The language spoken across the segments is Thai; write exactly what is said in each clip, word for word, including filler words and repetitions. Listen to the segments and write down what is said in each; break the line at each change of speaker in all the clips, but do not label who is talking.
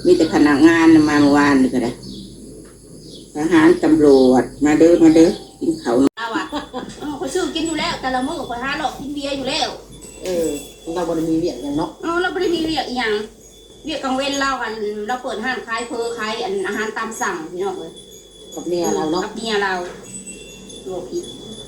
มีแต่พนักงานมาเมื่อวานนี่ก็ได้ทหารตำรวจมาเด้อมาเด้อกินเขา
เอาอ่ะเขาซื้อกินอยู่แล้วแต่ละมื้อเขาหาหลอกกินเบียร์อยู่แล้ว
เออเราบ่ได้มีเวียกอย่างเนาะ
เออเราไม่ได้มีเวียกอีหยังเวียกกลางเว้นเรากันเราเปิดห้างขายเพอขายอันอาหารตามสั่งพี่น้องเลย
กับเมียเราเนาะ
กับเมียเราโลผิด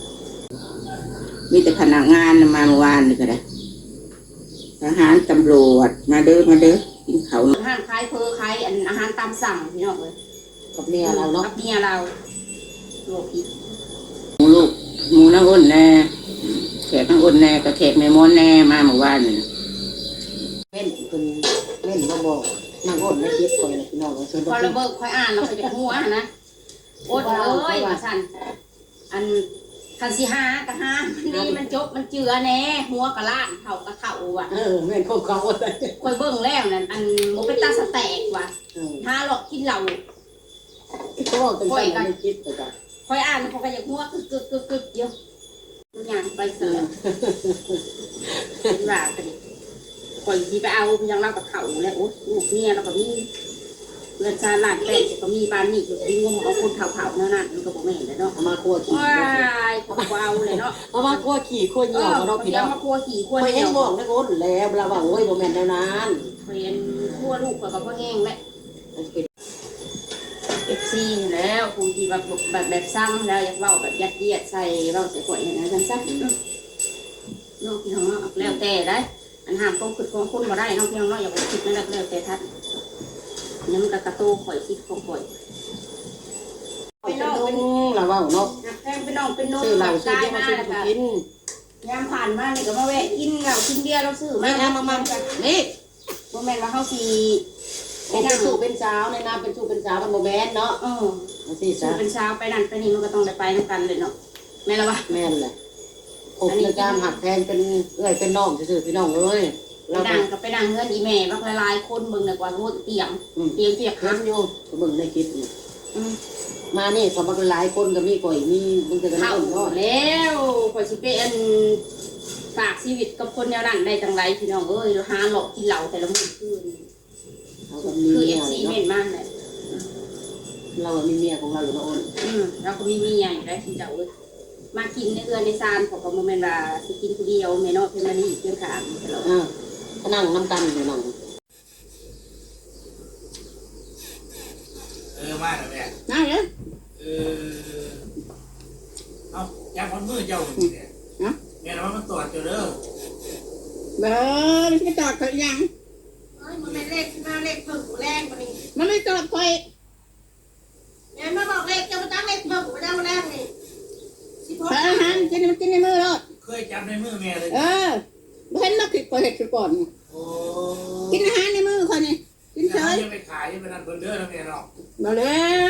มีแต่พนักงานมาเมื่อวานนี่ก็ได้ทหารตำรวจมาเด้อมาเด้อกินเขา
ห้างขายเพอขายอันอาหารตามสั่งพี่น้องเลย
กับเมียเราเนาะ
กับเมียเราโลผิด
หมูลูกหมูน้ำอ้นแน่แขกน้ำอ้นแน่กับแขกแม่ม้อนแน่มาเมื่อวานนี่
เล่นคุณเล่นเราบอกนางอ้นในคลิปคอยนะพี่น้องเราเชิญ
พอเราเบิกคอยอ่านเราไปจากหัวนะโอ้ยเอ้ยว่าสั่นอันคันสิหากะหามันดีมันจบมันเจือแน่หัวกะล้านเข่ากะเข่าว่ะ
เออแม่นของเขาอดเลย
คอยเบิ่งแล้วนั่นอันโมเป็นตาสแตกว่ะหาหลอกกินเหล้า
เขาบอกเป็นการในคลิปไปก่อน
คอยอ่านเขาก็อยากหัวกึกกึกกึกกึกเยอะอย่างไปเสือเป็นว่ากันคอยที่ไปเอายังเล่ากับเขาแล้วโอ้ลูกเนี่ยเราก็มีเงินชาหลานแป้งก็มีบ้านนี่อยู่ที่งมเอาคนเผาๆนั่นน่ะมันก็บอกไม่เห็นเลยเนาะ
เอามาคั่วขี่
ว้ายก็เอาเลยเนาะ
เอามาคั่วขี่คั่วเหนียวเราพี่น้อง
มาคั่วขี่คั่ว
เหนียวบอกนะโอ้แล้วเราบอกโอ้ยโมเมนต์แนวนั้น
เป็นคั่วลูกกับพ่อแห้งแหละเอฟซีแล้วคงที่แบบแบบแบบซ้ำแล้วอยากเล่าแบบยัดเยียดใส่เล่าใส่ก๋วยอย่างนั้นสั้นๆน้องพี่น้องแล้วแต่ได้อันห้ามต้องฝึกของคนมาได้น้องพี่น้องอย่าไปคิดนั่นแหละแล้วแต่ท่านนี่มันกระโตข่อยคิดของข่อย
เป็นน้องเป็นเราว่าเนาะ
แพงเป็นน้องเป็นน้อง
ซื้อเราซื้อเยอะมาซื้อกิน
ยามผ่านมาเนี่ยก็มาแวะกินเรากินเบียร์เราซื้อ
ไม่เอามามานี่
โมแมนว่าเขาสี
เป็นสู่เป็นสาวในน้ำเป็นสู่เป็นสาวมันโมแมนเนาะ
เออสู่เป็นสาวไปนั่นไปนี่มันก็ต้องได้ไปน้ำกันเลยเนาะแม่ละวะ
แม่เลยผมในการหักแทนเป็นเอ้ยเป็นน้องซื่อพี่น้องเลย
ไปดังกับไปดังเงินอีแม่บางลายคนเบิ่งเลยกว่ารู้เตียงเตียงเตียง
คันอยู่เบิ่งในคลิปมานี่สมัครหลายคนก็มีก่อยมีมึงจะกัน
เท่าแล้วข่อยสิเป็นฝากชีวิตกับคนแนวนั้นได้จังไรพี่น้องเอ้ยหาหลอกกินเหล้าแต่ละมื้อคืนคือเอฟซีเห็นมากเลย
เรามีเมียของเราอยู่นะโอน
อืมเราก็มีเมียอยู่ได้ที่เจ้าเอ้ยมากินในเรือนในซานของโมเมนต์ว่าสิกินคนเดียวเมนอเพนมานี่เพียงขามตลอด
อ่านั่งน้ำกันอยู่นั่ง
เออมาแล้วแม่
นั่งเลย
เออเอายาคนมือเจ้าเนี่ยแม่เรามาตรวจเจอเด้อ
เบ้อไม่ตรวจเขายัง
มันไม่เลขมาเลขเพิ่มแรงกว่านี้
มันไม่ตรวจใคร
แม่มาบอกเลขจะมาตั้งเลขเพิ่มมาได้มาแรงนี่
สิบหกอาหารกินมันกินในมือรอด
เคยจับในมือแม่เลย
เออเห็นมาผิดก่อนเหตุก่อนกินอาหารในมือคนนี้กินเฉย
ยังไปขายยังไปนั่นเพิ่นเด้อแล้วแม่เนาะ
มาแล้ว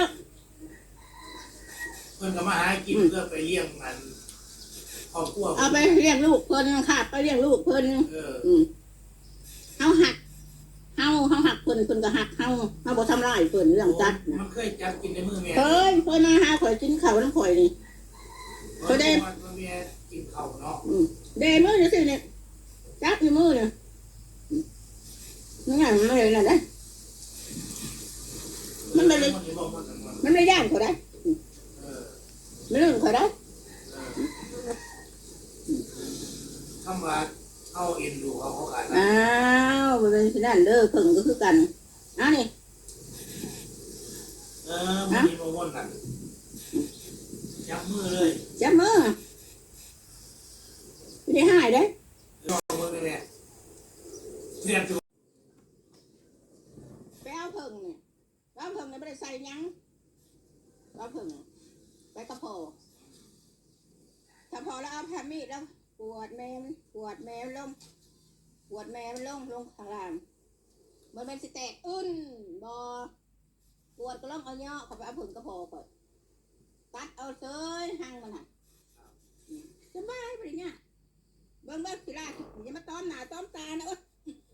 เพิ่นก็มาหากินเพื่อไปเลี้ยงมันครอบครัว
เอาไปเลี้ยงลูกเพิ่นขาดไปเลี้ยงลูกเพิ่น
เออ
เอาหักเฮาเฮาหักเพิ่นเพิ่นก็หักเฮาเฮาบ่ทำร้ายเพิ่นเรื่องจัด
มันเคยจับกินในมือแม่
เฮ้ยเพิ่นมาหาข่อยกินข้าวน้ำข่อยนี่
เขาได้แม่กินข้าวเนาะ
เดมือนี่สิเนี่ยจับอยู่มือเนี่ยนี่ไงมันเลยน่ะได้มันไม่เลยมันไม่ย่างเขาได้มันเรื่องเขาได้
คำว่าเอาเอ็นดูเขาเขาขาย
อ้าวเป็นที่นั่นเด้อเพิ่งก็คือกันอ้าวนี่
เออมันมีโมโหกันจับมือเลย
จับมือไม่ได้หายได้
ลองมือไปเลยเตรียมตัว
ไปเอาเพิ่งเนี่ยเอาเพิ่งเนี่ยไม่ได้ใส่ยังเอาเพิ่งไปกระเพาะถ้าพอแล้วเอาแผ่นมีดแล้วปวดแม่ปวดแม่ลงปวดแม่ลงลงข้างล่างมันเป็นสิแตกอึ้นบอปวดก็ลงเอาเนาะเขาไปเอาเพิ่งกระเพาะก่อนตัดเอาเซ้ยหั่งมันหันสบายไปเนี่ยเบิ้งเบิ้งสิล่ะอย่ามาต้อมหนาต้อมตานะเอ้ย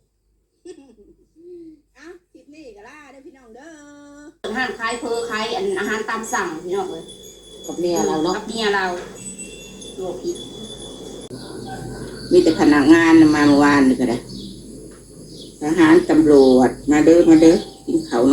อ่ะคลิปนี้ก็ล่าเด้อพี่น้องเด้อห้างขายเพอขายอันอาหารตามสั่งพี่น้องเลย
กับเมียเราเนาะ
กับเมียเราโลผิด
มีแต่พนักงานมาเมื่อวานนี่ก็ได้ทหารตำรวจมาเด้อมาเด้อกินข้าว